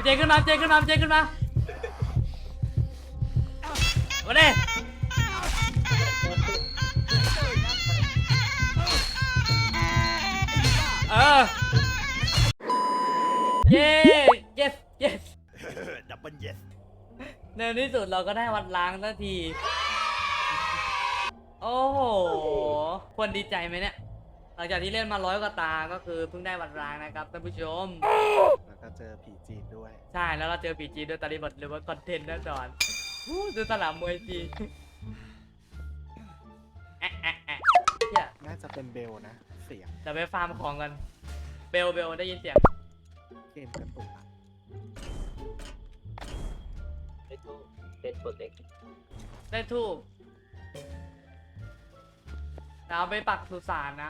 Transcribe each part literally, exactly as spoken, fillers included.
เจขึ้นมาเจขึ้นมาเจขึ้นมามาดิเออเย้ yes yes ดับเบิลเยสในที่สุดเราก็ได้วัดล้างสักที โอ้โหควรดีใจไหมเนี่ยหลังจากที่เล่นมาร้อยกว่าตาก็คือเพิ่งได้วัดล้างนะครับท่านผู้ชมแล้วก็เจอผีจีนด้วยใช่แล้วเราเจอผีจีนด้วยตอนนี้หมดเลยว่าคอนเทนต์แน่นอนดูสนามมวยจีนแอะแอะแอะเนี่ยน่าจะเป็นเบลนะเสียงเดี๋ยวไปฟาร์มของกันเบลเบลได้ยินเสียงเกมกระตุกอะได้ทูเป็นโปรเจกต์ได้ทูบเราไปปักสุสานนะ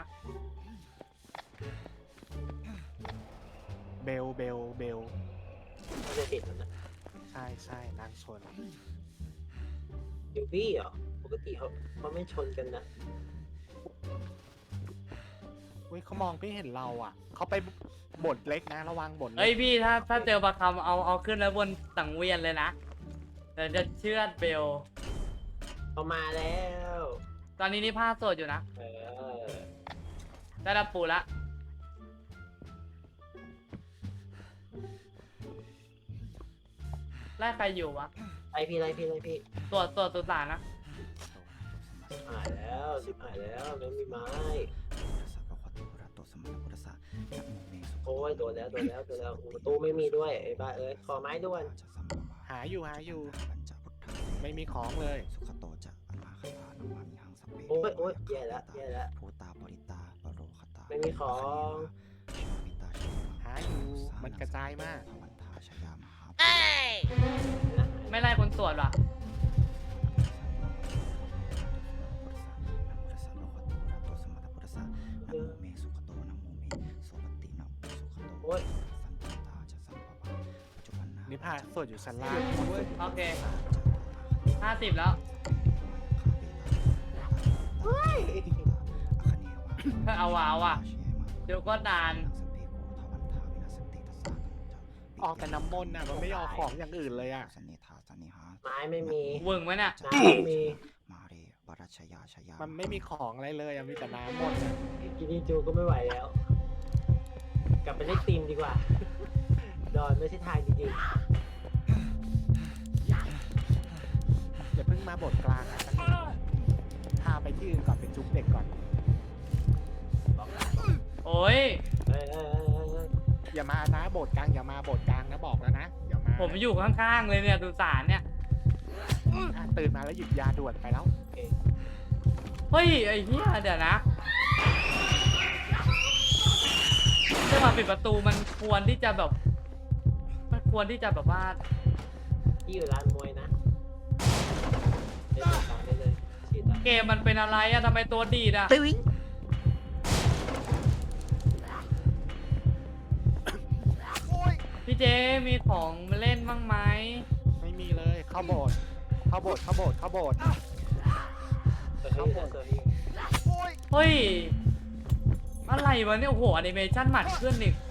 เบลเบลเบลน่าจะติดแล้วนะใช่ใช่นางชนยูบี้เหรอปกติเขาเขาไม่ชนกันนะอุ้ยเขามองไม่เห็นเราอ่ะเขาไปบทเล็กนะระวังบทเล็เฮ้ยกพี่ถ้าถ้าเจอปลาคำเอาเอาขึ้นแล้วบนสังเวียนเลยนะเดี๋ยวจะเชือดเบลเขามาแล้วตอนนี้นี่ผ้าโสดอยู่นะเออได้รับปูละไล่ใครอยู่วะไอพี่ไอพี่ไอพี่ตรวจตรวจสุสานนะหายแล้วสิบหายแล้วไม่มีไม้โอ้ยโดนแล้วโดนแล้วโดนแล้วประตูไม่มีด้วยไอ้บ้าเอ้ยขอไม้ด่วนหาอยู่หาอยู่ ไม่มีของเลยโอ้ยโอ้ยแย่แล้วแย่แล้วไม่มีของหาอยู่มันกระจายมากไม่ไล่คนตรวจว่ะเออโอ้ยนิพาสวดอยู่ชั้นล่างโอเคห้าสิบแล้วเฮ้ยเอาว่ะเอาว่ะเดี๋ยวก็นานออกแต่น้ำมนต์น่ะมันไม่ออกของอย่างอื่นเลยอ่ะไม้ไม่มีวึงไหมเนี่ยน้ำไม่มีมันไม่มีของอะไรเลยอะมีแต่น้ำมนต์อะกินนี่จูก็ไม่ไหวแล้ว กลับไปเล่นตีมดีกว่า ดอนไม่ใช่ทางจริงอย่าเพิ่งมาบทกลางอะสักนิดพาไปที่อื่นก่อนไปจุ๊บเด็กก่อนโอ้ยๆเอ้ยเอ้ยเอ้ยเอ้ยเอ้ยอย่ามานะโบสถ์กลางอย่ามาโบสถ์กลางนะบอกแล้วนะอย่ามาผมอยู่ข้างๆเลยเนี่ยสุสานเนี่ยอ่ะตื่นมาแล้วหยิบยาด่วนไปแล้วโอเคเฮ้ยไอ้เหี้ยเดี๋ยวนะจังหวะปิดประตูมันควรที่จะแบบมันควรที่จะแบบว่าที่อยู่ร้านมวยนะเล่นต่อได้เลยฉีดต่อเกมมันเป็นอะไรอะทำไมตัวดีดอะพี่เจมีของมาเล่นบ้างไหมไม่มีเลยเข้าโบสถ์เข้าโบสถ์เข้าโบสถ์เข้าโบสถ์เซอร์ฟี่เซอร์ฟี่เฮ้ยอะไรวะเนี่ยโอ้โหแอนิเมชั่นหมัดขึ้นอีก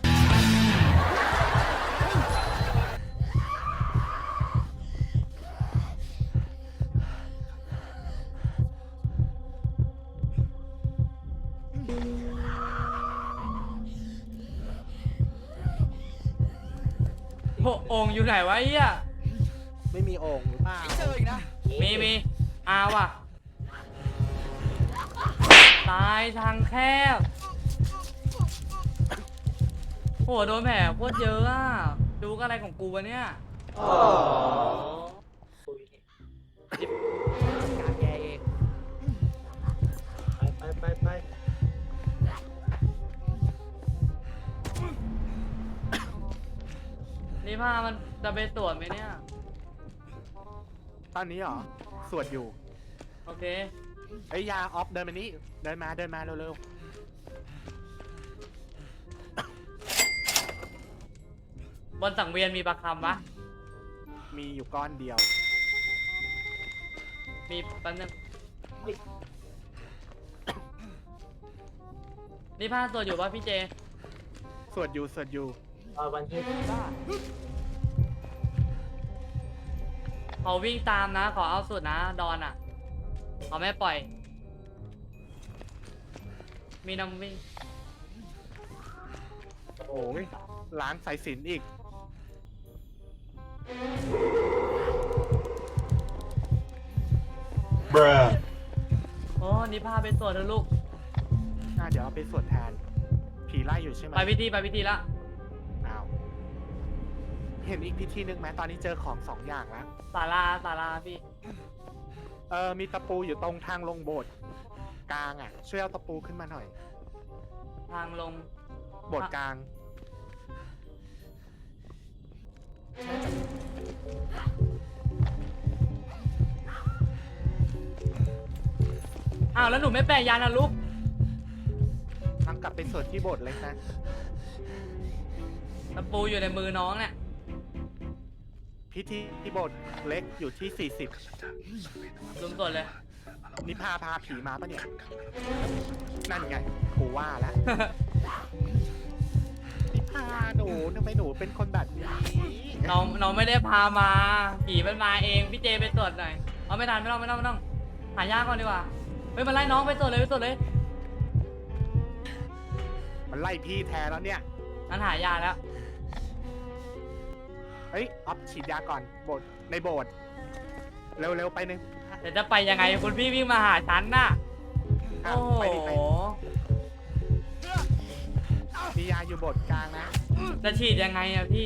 โอ้โอ่งอยู่ไหนวะไอ้เหี้ยไม่มีโอ่งหรือเปล่ามีมีอาว่ะตายทางแคบโหโดนแผลโคตรเยอะอ่ะดูก็อะไรของกูวะเนี่ยคุยการแกเองไปไปไปไปนี่ผ้ามันจะไปตรวจไหมเนี่ยตอนนี้เหรอสวดอยู่โอเคไอ้ยยาออฟเดินมานี่เดินมาเดินมาเร็วบนสังเวียนมีปลาคำปะๆมีอยู่ก้อนเดียวมีแป๊บนึงนี่ผ้าตรวจอยู่ปะพี่เจสวดอยู่สวดอยู่ตอนวันที่บ้าเขาวิ่งตามนะขอเอาสุดนะดอนอ่ะเขาไม่ปล่อย มีน้ำวิ่งโอ้ยร้านสายสิญจน์อีก Bruh. โอ้นี่พาไปตรวจเถอะลูกน่าเดี๋ยวเอาไปสวดแทน ผีไล่อยู่ใช่ไหมไปพิธีไปพิธีละอ้าวเห็นอีกพิธีหนึ่งไหมตอนนี้เจอของสองอย่างแล้วศาลาศาลาพี่เออมีตะปูอยู่ตรงทางลงโบสถ์กลางอ่ะ ช่วยเอาตะปูขึ้นมาหน่อยทางลงโบสถ์กลางอ้าวแล้วหนูไม่แปลยานะลูกทางกลับไปสวดที่โบสถ์เล็กนะตะปูอยู่ในมือน้องเนี่ยพิธีที่โบสถ์เล็กอยู่ที่สี่สิบลุมสดเลยนิพาพาผีมาปะเนี่ย นั่นไงกูว่าแล้ว นิพาหนูทำไมหนูเป็นคนแบบนี้น้องน้องไม่ได้พามาผีมันมาเองพี่เจไปตรวจหน่อยเอาไม่ทันไม่ต้องไม่ต้องไม่ต้องหายากก่อนดีกว่าเฮ้ยมันไล่น้องไปตรวจเลยไปตรวจเลยมันไล่พี่แทนแล้วเนี่ยงั้นหายาแล้วเฮ้ยออฟฉีดยาก่อนโบสถ์ในโบสถ์เร็วๆไปหนึ่งเดี๋ยวจะไปยังไงคุณพี่วิ่งมาหาฉันน่ะอ่ะโอ้โหไปดิไปมียาอยู่โบสถ์กลางนะจะฉีดยังไงอะพี่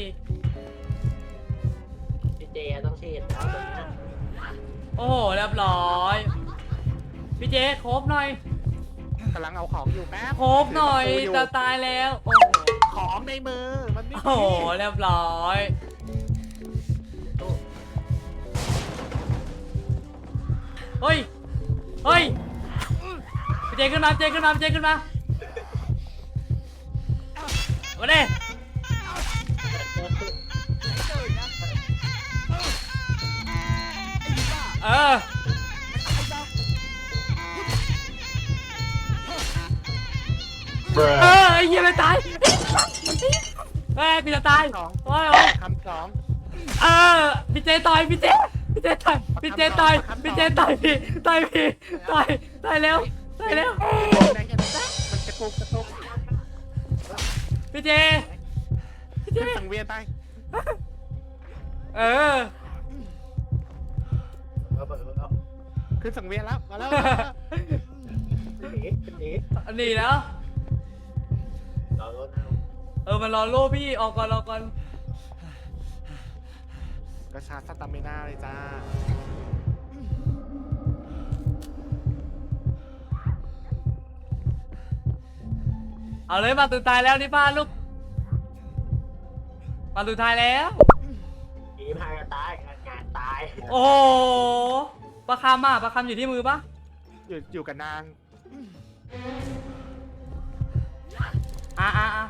พี่เจต้องฉีดแล้วตอนนี้โอ้โหเรียบร้อยพี่เจโคบหน่อยกำลังเอาของอยู่แป๊บโคบหน่อยถืตะปูจะตายแล้วโอ้โหของในมือมันไม่โอ้โหเรียบร้อยเฮ้ยเฮ้ยพี่เจขึ้นมาพี่เจขึ้นมาพี่เจขึ้นมามาดิเออ เอ Bruh. อไอ้เหี้ยไม่ตายเฮ้ยพี่จะตายสองโอ้ยโอ้ยคำสองเออพี่เจต่อยพี่เจพี่เจต่อยพี่เจต่อยพี่เจต่อยพี่ต่อยพี่ต่อยต่อยเร็วต่อยเร็วไหนกันนะมันกระตุกกระตุกพี่เจพี่เจขึ้นสังเวียนไปเออเอาเปิดเอาขึ้นสังเวียนแล้วมาแล้วเอ๊ะเอ๊ะหนีแล้วเราลดเอาเออมันรอโล่พี่ออกก่อนรอก่อนกระชากสตามิน่าเลยจ้าเอาเลยมาตุตายแล้วนี่ป้าลูกมาตุตายแล้วผีพายตายงานตายโอ้โหปลาคำอ่ะปลาคำอยู่ที่มือปะอยู่อยู่กับนางอ่ะอ่ะอ่ะ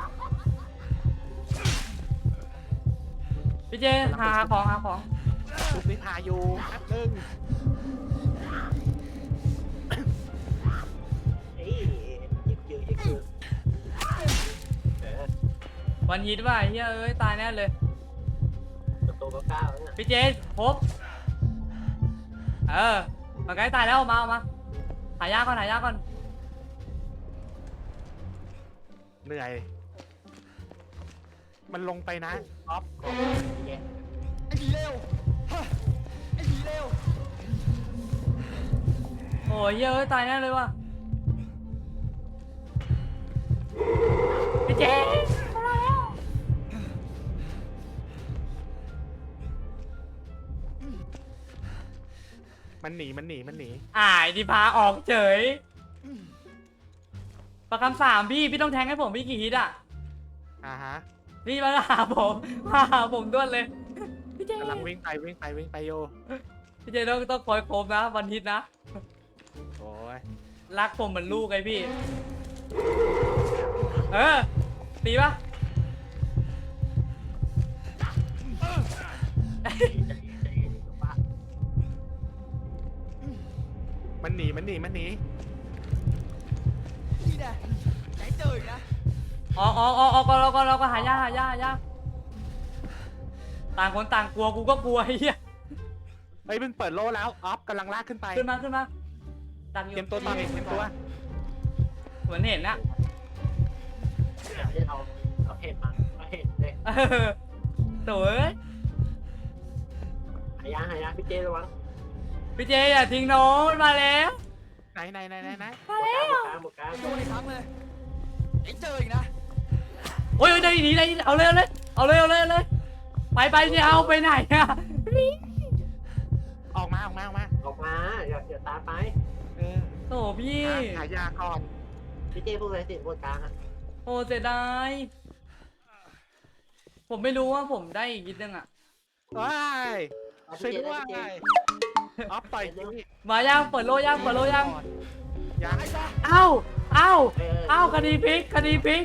พี่เจหาของหาของชุบนิพาอยู่แป๊บนึงเอ้ยยึกยือยึกยือเออวันฮิตว่าไอ้เฮ้ยเอ้ยตายแน่เลยประตูก็ก้าวแล้วเนี่ยพี่เจพบเออมันใกล้ตายแล้วเอามาเอามาหายากก่อนหายากก่อนเหนื่อย มันลงไปนะออฟของพี่เจโอ้ยเฮ้ยเอ้ยตายแน่เลยว่ะพี่เจมาแล้วมันหนีมันหนีมันหนีอ่ายที่พาออกเฉยประคำสามพี่พี่ต้องแทงให้ผมพี่กี่ฮิตอ่ะอ่าฮะพี่มาหาผมมาหาผมด้วนเลยพี่เจกำลังวิ่งไปวิ่งไปวิ่งไปโยพี่เจต้องต้องคอยโคมนะวันฮิตนะโอ้ยรักผมเหมือนลูกไงพี่ เออ ตีปะมันหนีมันหนีมันหนีอ๋ออ๋ออ๋อก็เราก็เราก็หายาหายาหายาต่างคนต่างกลัวกูก็กลัวไอ้เหี้ยเฮ้ยมึงเปิดโล่แล้วออฟกำลังลากขึ้นไปขึ้นมาขึ้นมาดันอยู่เตรียมตัวต่อยเตรียมตัวเหมือนเห็นนะอยากให้เอาเอาเห็ดมาเอาเห็ดเลยเออโถ่เอ้ยหายาหายาพี่เจระวังพี่เจอย่าทิ้งน้องมันมาแล้วไหนไหนไหนไหนไหนหมดกลางหมดกลางหมดกลางโดนอีกครั้งเลยไอ้เจออีกนะโอ้ยได้หนีได้เอาเลยเอาเลยเอาเลยเอาเลยเอาเลยไปไปจะเอาไปไหนอะออกมาออกมาออกมาออกมาอย่าอย่าตามไปเออโถ่พี่หาหายาก่อนพี่เจพูดอะไรสิหมดกลางอ่ะโอ้เสียดายผมไม่รู้ว่าผมได้อีกนิดนึงอะว้ายเอาช่วยพี่เจด้วยได้พี่เจออฟต่อยนี่มาย่างเปิดโลย่างเปิดโลย่างยังเอ้าเอ้าเออเอ้าคดีพลิกคดีพลิก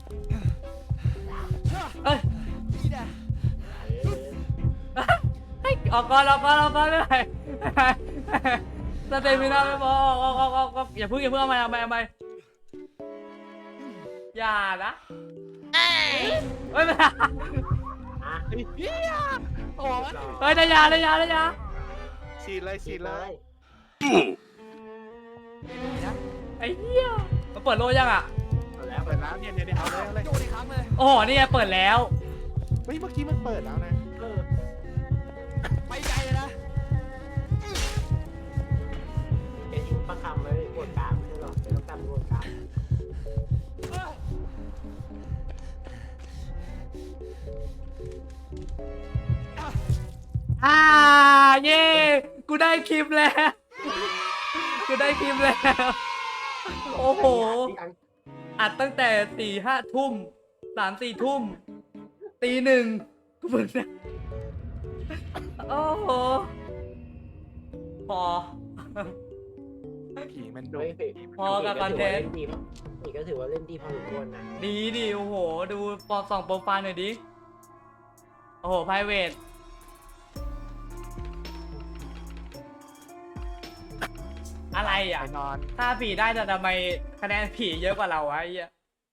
เอ้ยนี่แหละเออเฮ้ยออกก่อนออกก่อนออกก่อนไม่ไหวสเตมินาไม่พอออกออกออกออกอย่าเพิ่งอย่าเพิ่งเอาไปเอาไปเอาไปอย่านะเฮ้ยไม่ได้อ่ะเฮ้ยเฮียโอ้ยเฮ้ยได้ยาได้ยาได้ยาฉีดเลยฉีดเลยนี่นะไอ้เหี้ยมันเปิดโลยังอ่ะเอาแล้วเปิดแล้วเนี่ยเนี่ยเนี่ยเอาเลยเอาเลยโดนอีกครั้งเลยโอ้โหนี่ไงเปิดแล้วเฮ้ยเมื่อกี้มันเปิดแล้วนะเออไปไกลเลยนะแกยิงประคำไว้หมดกลางไม่ใช่หรอเป็นต้องการหมดกลางอ่าเย่กูได้คลิปแล้ว กูได้คลิปแล้ว โอ้โห อัดตั้งแต่สี่ห้าทุ่มสามสี่ทุ่มตีหนึ่งกูเพิ่งนะโอ้โห พอผีมันดุเฮ้ยพี่พอกับคอนเทนต์นี่ก็ถือว่าเล่นดีพอสมควรนะดีดิโอ้โห ดูปอส่องโปรไฟล์หน่อยดิ โอ้โห ไพรเวท อะไรอ่ะไปนอนถ้าผีได้แต่ทำไมคะแนนผีเยอะกว่าเราวะไอ้เหี้ย